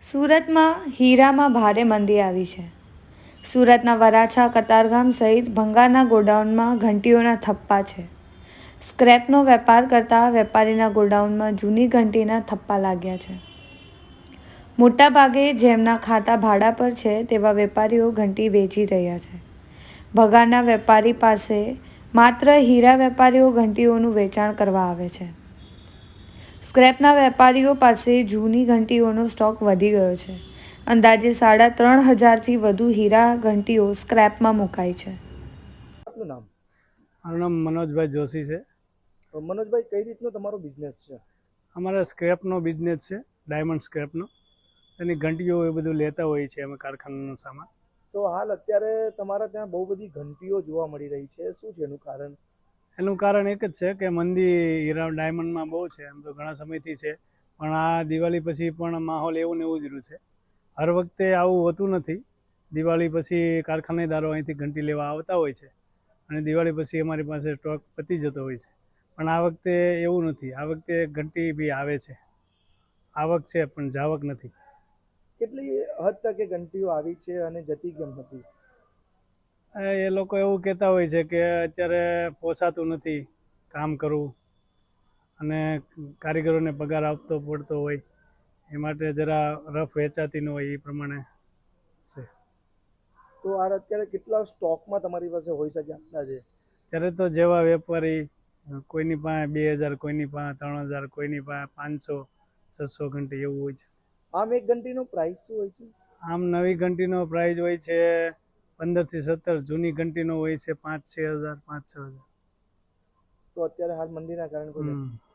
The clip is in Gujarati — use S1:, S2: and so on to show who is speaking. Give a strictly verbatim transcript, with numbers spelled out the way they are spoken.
S1: સુરતમાં હીરામાં ભારે મંદી આવી છે. સુરતના વરાછા, કતારગામ સહિત ભંગારના ગોડાઉનમાં ઘંટીઓના થપ્પા છે. સ્ક્રેપનો વેપાર કરતા વેપારીના ગોડાઉનમાં જૂની ઘંટીના થપ્પા લાગ્યા છે. મોટાભાગે જેમના ખાતા ભાડા પર છે તેવા વેપારીઓ ઘંટી વેચી રહ્યા છે. ભંગારના વેપારી પાસે માત્ર હીરા વેપારીઓ ઘંટીઓનું વેચાણ કરવા આવે છે. સ્ક્રેપના વેપારીઓ પાસે જૂની ઘંટીઓનો સ્ટોક વધી ગયો છે. અંદાજે સાડા ત્રણ હજારથી વધુ હીરા ઘંટીઓ સ્ક્રેપમાં મુકાઈ છે.
S2: આપનું નામ?
S3: મારું નામ મનોજભાઈ જોશી છે.
S2: તો મનોજભાઈ, કઈ રીતનો તમારો બિઝનેસ છે?
S3: અમારા સ્ક્રેપનો બિઝનેસ છે, ડાયમંડ સ્ક્રેપનો. એની ઘંટીઓ એ બધું લેતા હોઈએ છીએ અમે, કારખાનાનો સામાન.
S2: તો હાલ અત્યારે તમારા ત્યાં બહુ બધી ઘંટીઓ જોવા મળી રહી છે, શું છે એનું કારણ?
S3: એનું કારણ એક જ છે કે મંદી હીરા ડાયમંડમાં બહુ છે. એમ તો ઘણા સમયથી છે, પણ આ દિવાળી પછી પણ માહોલ એવું ને એવું જ રહ્યું છે. હર વખતે આવું હોતું નથી. દિવાળી પછી કારખાનેદારો અહીંથી ઘંટી લેવા આવતા હોય છે અને દિવાળી પછી અમારી પાસે સ્ટોક પતી જતો હોય છે. પણ આ વખતે એવું નથી. આ વખતે ઘંટી બી આવે છે, આવક છે પણ જાવક નથી.
S2: કેટલી હદ તક એ ઘંટીઓ આવી છે અને જતી કેમ હતી?
S3: એ લોકો એવું કહેતા હોય છે કે અત્યારે પોસાતું નથી કામ કરવું અને કારીગરોને પગાર આપતો પડતો હોય, એ માટે જરા રફ વેચાતી ન હોય એ પ્રમાણે છે.
S2: તો આ અત્યારે કેટલા સ્ટોકમાં તમારી પાસે હોઈ શકે અંદાજે?
S3: ત્યારે તો જેવા વેપારી, કોઈની પાસે બે હજાર, કોઈની પાસે ત્રણ હજાર, કોઈની પાસે પાંચસો છસો ઘંટી એવું હોય છે.
S2: આમ એક ઘંટીનો પ્રાઇસ શું હોય છે?
S3: આમ નવી ઘંટીનો પ્રાઇસ હોય છે પંદરથી સત્તર, જૂની ઘંટીનો હોય છે પાંચ છ હજાર પાંચ છ હજાર.
S2: તો અત્યારે હાલ મંદીના કારણે કોઈ